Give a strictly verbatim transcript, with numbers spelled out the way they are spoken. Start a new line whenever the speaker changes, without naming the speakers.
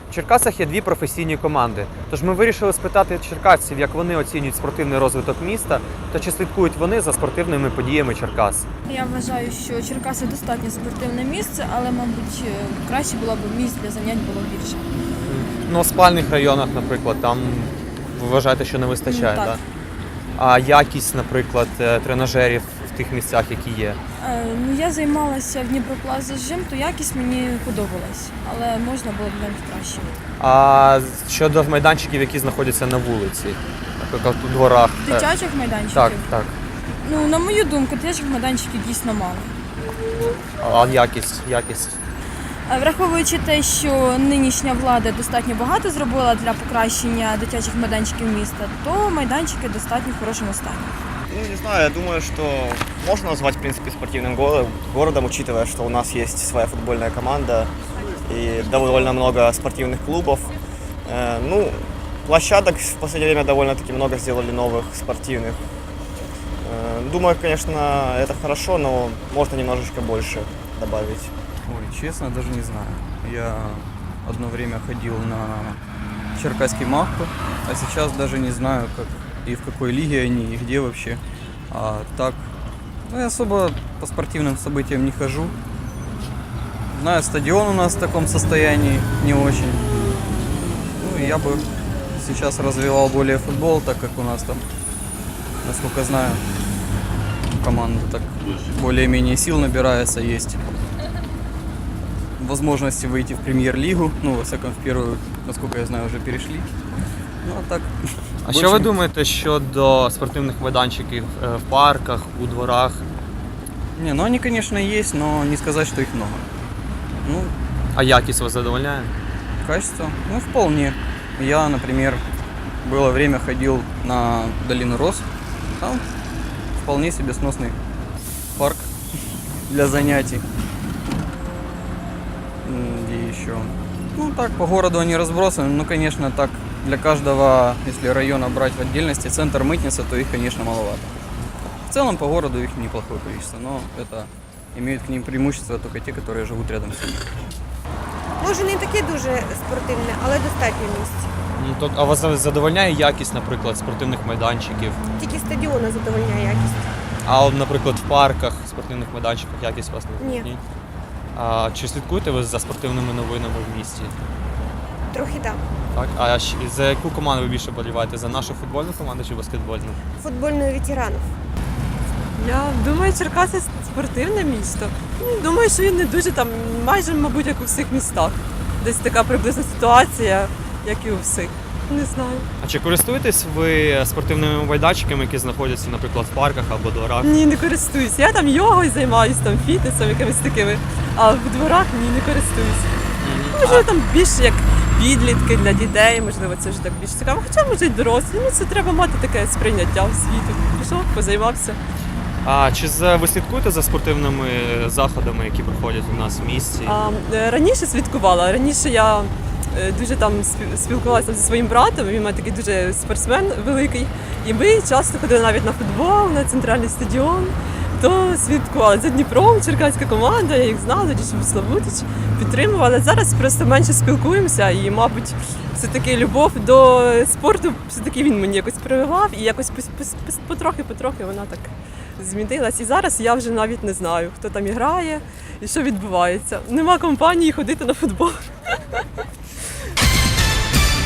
В Черкасах є дві професійні команди, тож ми вирішили спитати черкасців, як вони оцінюють спортивний розвиток міста та чи слідкують вони за спортивними подіями Черкас.
Я вважаю, що Черкаси достатньо спортивне місце, але, мабуть, краще було б місць для занять було більше.
Ну, в спальних районах, наприклад, там ви вважаєте, що не вистачає,
Ну, так.
так? А якість, наприклад, тренажерів в тих місцях, які є?
Е, ну, я займалася в Дніпроплазі жим, то якість мені подобалась, але можна було б навіть краще.
А щодо майданчиків, які знаходяться на вулиці, наприклад, у дворах?
Дитячих майданчиків?
Так, так.
Ну, на мою думку, дитячих майданчиків дійсно мало.
А якість, якість?
Е, Враховуючи те, що нинішня влада достатньо багато зробила для покращення дитячих майданчиків міста, то майданчики достатньо в хорошому стані.
Ну, не знаю, я думаю, что можно назвать, в принципе, спортивным горо- городом, учитывая, что у нас есть своя футбольная команда и довольно много спортивных клубов. Э, Ну, площадок в последнее время довольно-таки много сделали новых спортивных. Э, Думаю, конечно, это хорошо, но можно немножечко больше добавить.
Ой, честно, даже не знаю. Я одно время ходил на Черкасский Махку, а сейчас даже не знаю, как и в какой лиге они, и где вообще. А так, ну, я особо по спортивным событиям не хожу. Знаю, стадион у нас в таком состоянии не очень. Ну, и я бы сейчас развивал более футбол, так как у нас там, насколько знаю, команда так более-менее сил набирается, есть возможности выйти в премьер-лигу. Ну, во всяком, в первую, насколько я знаю, уже перешли. Ну, а так...
А що ви думаєте щодо спортивних майданчиків е, в парках, у дворах?
Не, ну они, конечно, есть, но не сказать, что их много. Ну,
А якість вас задовольняє?
качество, ну, вполне. Я, например, было время ходил на Долину Роз. Там вполне себе сносный парк для занятий. М, Где еще? Ну, так, по городу они разбросаны. Ну, конечно, так, для каждого, если района брать в отдельности, центр мытница, то их, конечно, маловато. В целом, по городу их неплохое количество, но это имеют к ним преимущество только те, которые живут рядом с ними.
Може, не таке дуже спортивне, але достатньо місць.
Ну, то, а вас задовольняє якість, наприклад, спортивних майданчиків?
Тільки стадіона задовольняє якість.
А от, наприклад, в парках, спортивних майданчиках якість вас не
Ні.
А чи слідкуєте ви за спортивними новинами в місті?
Трохи так.
Так. А щ- за яку команду ви більше боліваєте? За нашу футбольну команду чи баскетбольну?
Футбольної ветеранів.
Я думаю, Черкаси спортивне місто. Ну, Думаю, що він не дуже там, майже, мабуть, як у всіх містах. Десь така приблизна ситуація, як і у всіх. Не знаю.
А чи користуєтесь ви спортивними майданчиками, які знаходяться, наприклад, в парках або дворах?
Ні, не користуюсь. Я там йогою займаюся, там фітнесом, якимись такими, а в дворах ні, не користуюсь. Можливо, там більше як підлітки для дітей, можливо, це вже так більш цікаво. Хоча, може, й дорослі. Ну, це треба мати таке сприйняття в світу. Пішов, позаймався.
А чи за- ви слідкуєте за спортивними заходами, які проходять у нас в місті?
А, е, раніше слідкувала. Раніше я е, дуже там спі- спілкувалася зі своїм братом. Він у мене такий дуже спортсмен великий. І ми часто ходили навіть на футбол, на центральний стадіон. То слідкували за Дніпром, черкаська команда, я їх знала, Дічим Славутич, підтримувала. Зараз просто менше спілкуємося і, мабуть, все-таки любов до спорту, все-таки він мені якось прививав і якось пос- пос- пос- потрохи-потрохи вона так змінилась. І зараз я вже навіть не знаю, хто там грає і що відбувається. Нема компанії ходити на футбол.